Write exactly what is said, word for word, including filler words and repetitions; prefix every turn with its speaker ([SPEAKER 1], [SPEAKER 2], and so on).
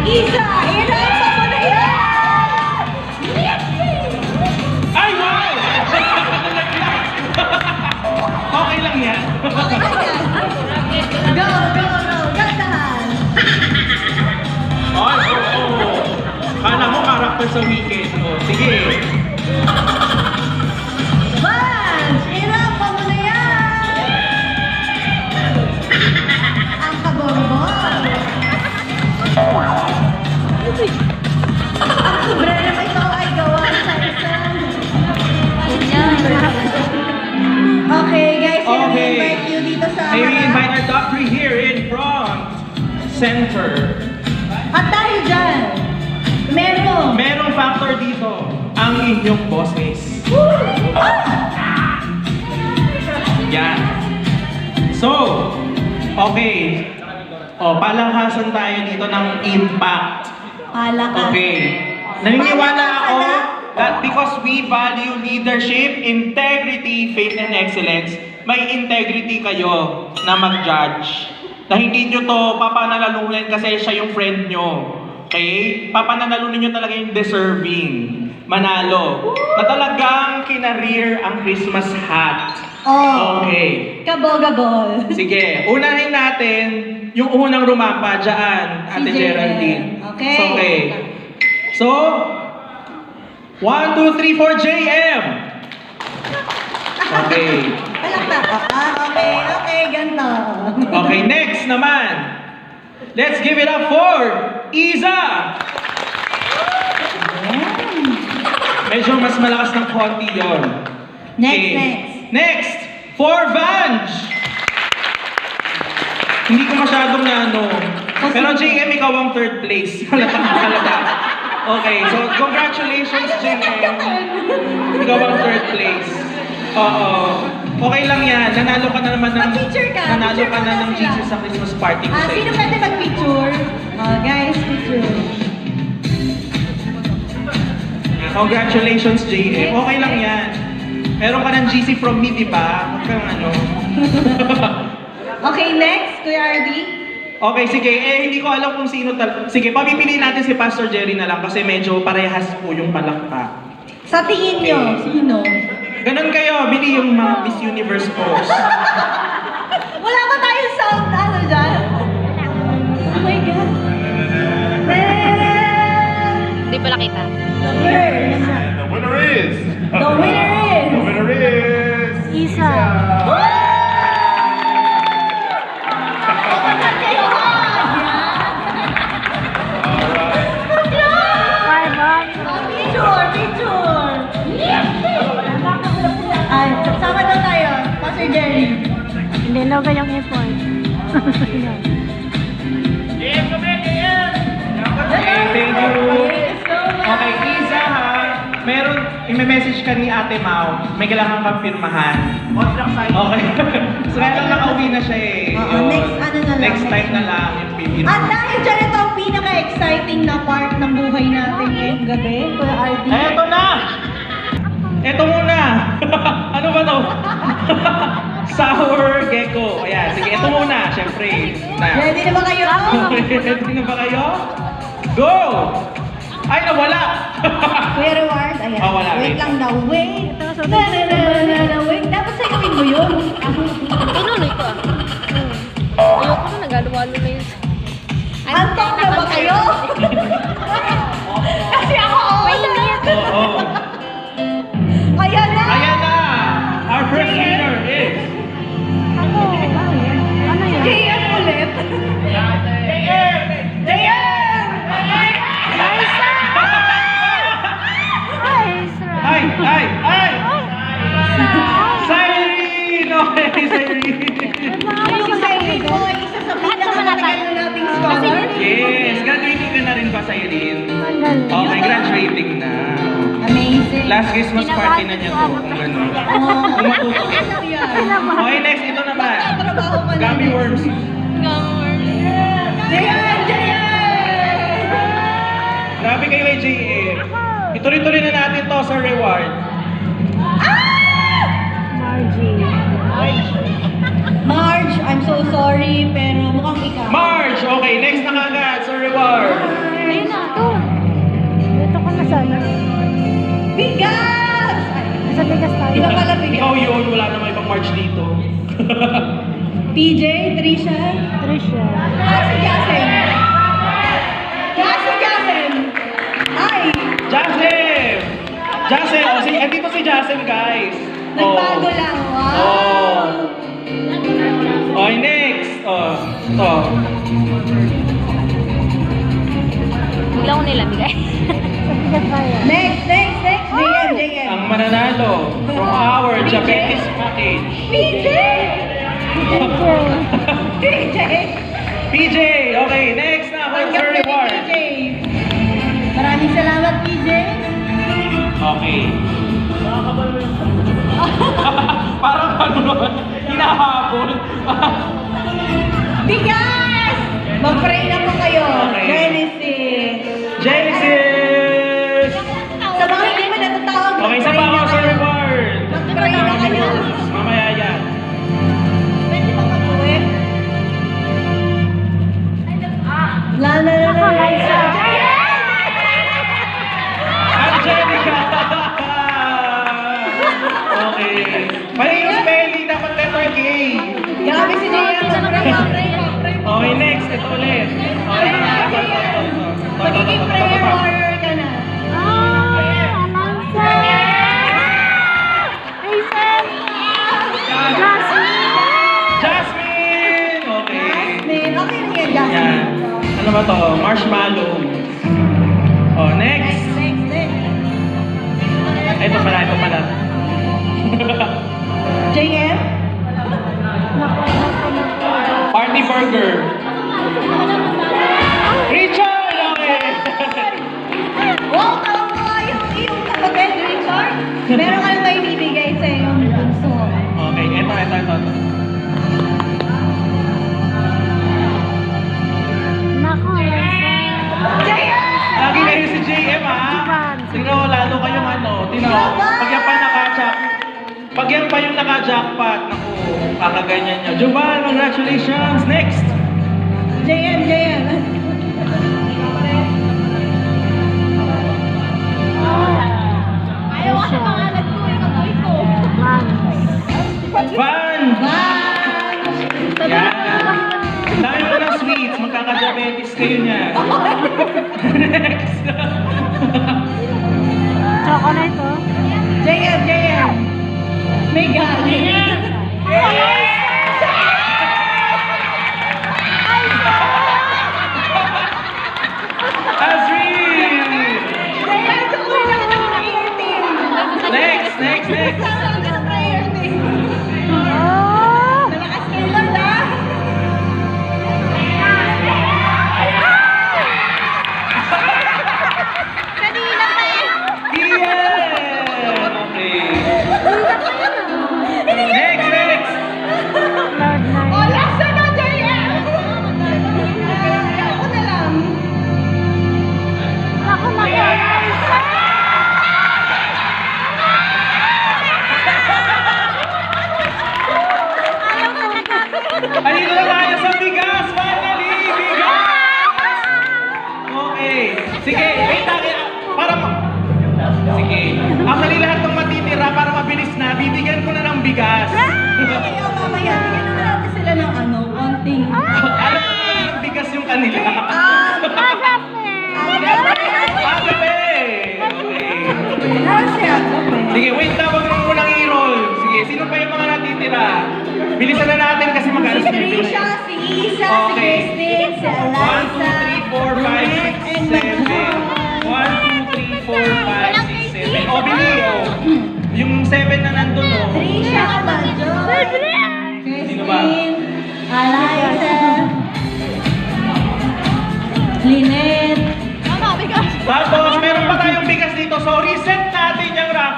[SPEAKER 1] Isa, irapan mo na yan!
[SPEAKER 2] Ay, wow! Okay lang yan.
[SPEAKER 1] Go, go, go! Gandahan!
[SPEAKER 2] Ay, oo. Oh, oh. Kala mo karakter sa weekend. Oh, sige.
[SPEAKER 1] Vance, irapan mo na yan! Ang kaborbon! Ang sobrero mo ito ay gawa sa isang... Okay, guys, I
[SPEAKER 2] Okay.
[SPEAKER 1] invite you dito sa...
[SPEAKER 2] May we invite our top three here in front. Center.
[SPEAKER 1] At tayo dyan, meron.
[SPEAKER 2] Merong factor dito. Ang inyong boses. Yan. So, okay. O, palanghasan tayo dito ng impact.
[SPEAKER 1] Palakas.
[SPEAKER 2] Okay. Naniniwala ako
[SPEAKER 1] Palakasan
[SPEAKER 2] that because we value leadership, integrity, faith, and excellence, may integrity kayo na mag-judge. Na hindi nyo to papanalalunan kasi siya yung friend nyo. Okay? Papanalalunan nyo talaga yung deserving. Manalo. Na talagang kinareer ang Christmas hat.
[SPEAKER 1] Oh.
[SPEAKER 2] Okay.
[SPEAKER 1] Kabogabol.
[SPEAKER 2] Sige, unahin natin yung unang rumapa dyan,
[SPEAKER 1] Si
[SPEAKER 2] Ate
[SPEAKER 1] J M.
[SPEAKER 2] Geraldine.
[SPEAKER 1] Okay.
[SPEAKER 2] So, okay. So, one, two, three, four, J M. Okay.
[SPEAKER 1] Palakpak. Ah, okay, okay, ganito.
[SPEAKER 2] Okay, next naman. Let's give it up for Iza. Medyo mas malakas ng konti yun.
[SPEAKER 1] Next,
[SPEAKER 2] Okay.
[SPEAKER 1] next.
[SPEAKER 2] Next, for Vange. Hindi ko masyadong na ano. Pero J M, ikaw ang third place. Halata ka talaga. Okay, so congratulations J M. Ikaw ang third place. Oo. Okay lang yan. Nanalo ka na naman ng...
[SPEAKER 1] Mag-picture ka.
[SPEAKER 2] Nanalo
[SPEAKER 1] Picture
[SPEAKER 2] ka na
[SPEAKER 1] muna
[SPEAKER 2] ng
[SPEAKER 1] sila.
[SPEAKER 2] Jesus sa Christmas party ko
[SPEAKER 1] Ah,
[SPEAKER 2] sa
[SPEAKER 1] sino
[SPEAKER 2] inyo.
[SPEAKER 1] pwede mag-picture? Oh, guys, picture.
[SPEAKER 2] Congratulations J M. Okay lang yan. Meron ka ng G C from me, di ba? Huwag kang ano.
[SPEAKER 1] Okay, next, Kuya R D.
[SPEAKER 2] Okay, sige. Eh, hindi ko alam kung sino tal... Sige, papipiliin natin si Pastor Jerry na lang kasi medyo parehas po yung palakpak.
[SPEAKER 1] Sa tingin nyo, sino?
[SPEAKER 2] Ganon kayo, bili yung mga Miss Universe pose.
[SPEAKER 1] Wala ba tayong sound, ano dyan? Oh my God.
[SPEAKER 3] Hindi pala kita.
[SPEAKER 1] The first.
[SPEAKER 4] The winner is.
[SPEAKER 1] The winner is.
[SPEAKER 4] The winner is.
[SPEAKER 3] Isa.
[SPEAKER 1] Kapag kayo, ha?
[SPEAKER 3] Five up.
[SPEAKER 1] Oh, picture, picture. Ay, sama daw tayo, Pastor Jerry.
[SPEAKER 3] Hindi na ba yung effort?
[SPEAKER 2] Okay, thank you.
[SPEAKER 1] Yes, so much.
[SPEAKER 2] Okay, Isa ha. Meron, i-message ka ni Ate Mau. May kailangan kang pirmahan. Okay. So, kaya lang nakauwi na siya eh.
[SPEAKER 1] Oo,
[SPEAKER 2] Yun.
[SPEAKER 1] next ano na lang,
[SPEAKER 2] Next time
[SPEAKER 1] next
[SPEAKER 2] na lang yung pipin.
[SPEAKER 1] At dahil dyan ito ang pinaka-exciting na part ng buhay natin ngayong gabi, Kuya R D.
[SPEAKER 2] Eto na! Eto muna! Ano ba to? Sour gecko. Ayan, sige, ito muna. Siyempre. Na.
[SPEAKER 1] Ready na ba kayo?
[SPEAKER 2] Ready na ba kayo? Go! Ay, nawala!
[SPEAKER 1] Kuya Reward, ayan.
[SPEAKER 2] Ah, wala,
[SPEAKER 1] Wait
[SPEAKER 2] wait.
[SPEAKER 1] lang daw, wait. Na na na na na wait. Dapat sayawin mo yun.
[SPEAKER 3] Tinuloy ko ah. Ayoko na, nagalo-walo na yun.
[SPEAKER 1] Antok na ba kayo? Kasi ako, oo.
[SPEAKER 3] Mainit.
[SPEAKER 2] Oo.
[SPEAKER 1] Ayan na!
[SPEAKER 2] Ayan na! Our first winner is...
[SPEAKER 3] Ano? Ano yun?
[SPEAKER 1] J M ulit. J M! J M!
[SPEAKER 3] Liza! Ay, Isra.
[SPEAKER 2] Ay! Ay! Ay!
[SPEAKER 3] Isa.
[SPEAKER 2] Cyrene! Okay, Cyrene!
[SPEAKER 1] Yung Cyrene ko, isa sa pinakamatagal nating scholar.
[SPEAKER 2] Yes! Graduating ka na rin ba, Cyrene?
[SPEAKER 3] Ang galing.
[SPEAKER 2] Okay, graduating na.
[SPEAKER 1] Amazing.
[SPEAKER 2] Last Christmas party na niya to. Kung gano'n.
[SPEAKER 1] Oh,
[SPEAKER 2] Kung matuto.
[SPEAKER 1] ano yan?
[SPEAKER 2] Okay, next. Ito naman.
[SPEAKER 1] Trabaho pa na.
[SPEAKER 2] Gummy worms.
[SPEAKER 1] J M! J M!
[SPEAKER 2] Grabe kayo kay J M. Ituloy-tuloy na natin to sa reward.
[SPEAKER 3] Margie.
[SPEAKER 1] Marge, I'm so sorry, pero mukhang ikaw.
[SPEAKER 2] Marge! Okay, next na kagad sa reward.
[SPEAKER 1] Marge!
[SPEAKER 2] March dito.
[SPEAKER 1] P J, Trisha.
[SPEAKER 3] Trisha.
[SPEAKER 1] Ah, si Jasen. Ah, si Jasen. Ay,
[SPEAKER 2] Jasem! Jasem! Oh, si, andito si Jasem, guys.
[SPEAKER 1] nagbago lang. Wow.
[SPEAKER 2] Oh. Okay, next. Oh, to.
[SPEAKER 3] Bigla ko nila, bigay.
[SPEAKER 1] Next, next, next. J M, J M.
[SPEAKER 2] Ang mananalo from our
[SPEAKER 1] P J?
[SPEAKER 2] Japanese package.
[SPEAKER 1] P J! P J!
[SPEAKER 2] P J! Okay, next na. What's
[SPEAKER 1] Tanggap
[SPEAKER 2] your
[SPEAKER 1] na ni
[SPEAKER 2] reward?
[SPEAKER 1] P J. Maraming salamat, P J.
[SPEAKER 2] Okay. Parang ano, hinahabol.
[SPEAKER 1] Bigas! Mag-pray na po kayo.
[SPEAKER 2] Okay.
[SPEAKER 1] Genesis.
[SPEAKER 2] Genesis!
[SPEAKER 1] Sa mga hindi mo natatawag,
[SPEAKER 2] Okay, sa
[SPEAKER 1] mag-pray
[SPEAKER 2] pa
[SPEAKER 1] na
[SPEAKER 2] ako sa
[SPEAKER 1] kayo.
[SPEAKER 2] reward.
[SPEAKER 1] Mag-pray na kayo.
[SPEAKER 2] Mamaya yan.
[SPEAKER 1] Pwede bang mag-uwi? La la la la la.
[SPEAKER 2] Angelica! Okay. Mali yung spelling, dapat letter K.
[SPEAKER 1] Grabe si Jaya. Mag-pray, mag-pray, mag-pray.
[SPEAKER 2] Okay, next. Ito ulit. Okay,
[SPEAKER 1] Pray na, Jaya. Magiging prayer warrior ka na.
[SPEAKER 3] Ah, announcer! Hazel! Jasmine!
[SPEAKER 2] Jasmine! Okay.
[SPEAKER 1] Jasmine. Okay na yan,
[SPEAKER 2] Yan.
[SPEAKER 1] Jasmine.
[SPEAKER 2] Ano ba to? Marshmallow. Oh, next.
[SPEAKER 1] Next, next, next.
[SPEAKER 2] Ito pala, ito pala.
[SPEAKER 1] J M?
[SPEAKER 2] Party burger. Richard! Okay.
[SPEAKER 1] Wow, tawa yung iyong kapatid, Richard. Meron ka lang may bibigay sa iyong bunso.
[SPEAKER 2] Okay, ito, ito, ito. ito.
[SPEAKER 3] Nako,
[SPEAKER 1] J M!
[SPEAKER 2] Lagi kayo si J M, ha? Tingnan mo, lalo kayong ano. Tingnan mo, pag yan pa naka-jack, pag yan pa yung naka-jackpot, naku, kakaganyan nyo. Juban, congratulations! Next!
[SPEAKER 1] J M, J M.
[SPEAKER 3] Ayaw ka sa pangalan ko, yung amoy ko.
[SPEAKER 2] Van!
[SPEAKER 1] Wow!
[SPEAKER 2] Yan! Dami mo ng sweets, magkaka-diabetes kayo niya. Next!
[SPEAKER 3] Chocolate, oh.
[SPEAKER 1] J M, J M. May galing.
[SPEAKER 2] Azreen!
[SPEAKER 1] J M, tuloy na kita ng prayer team.
[SPEAKER 2] Next, next, next!
[SPEAKER 1] Kasama ka ng prayer team.
[SPEAKER 3] Oh!
[SPEAKER 1] Malakas kayo, Lord, ah.
[SPEAKER 3] Kanina pa eh.
[SPEAKER 2] Ian! Okay. Next, next!
[SPEAKER 3] Cloud nine.
[SPEAKER 1] Oh, last na na, J M. Ako na lang.
[SPEAKER 3] Ako mag-announcer! Ayaw ka na gagawin.
[SPEAKER 2] Andito na tayo sa bigas! Finally! Bigas! Okay. Sige, wait lang. Para ma... Sige. Actually, lahat ng matitira para mabilis na, bibigyan ko na ng bigas.
[SPEAKER 1] Kaya mamaya, bigyan na natin sila ng ano, konting...
[SPEAKER 2] Alam mo na ng bigas yung kanila.
[SPEAKER 1] Um,
[SPEAKER 3] Agape!
[SPEAKER 2] Agape! Okay.
[SPEAKER 1] Nasa agape.
[SPEAKER 2] Sige, wait na. Wag mo munang i-roll. Sige, sino pa yung mga natitira? Bilisan na natin kasi
[SPEAKER 1] Si
[SPEAKER 2] mag-alas
[SPEAKER 1] Trisha, si Isa, si
[SPEAKER 2] Okay.
[SPEAKER 1] Christine, si
[SPEAKER 2] one, two,
[SPEAKER 1] Eliza,
[SPEAKER 2] three, four, five, six,
[SPEAKER 1] and
[SPEAKER 2] seven,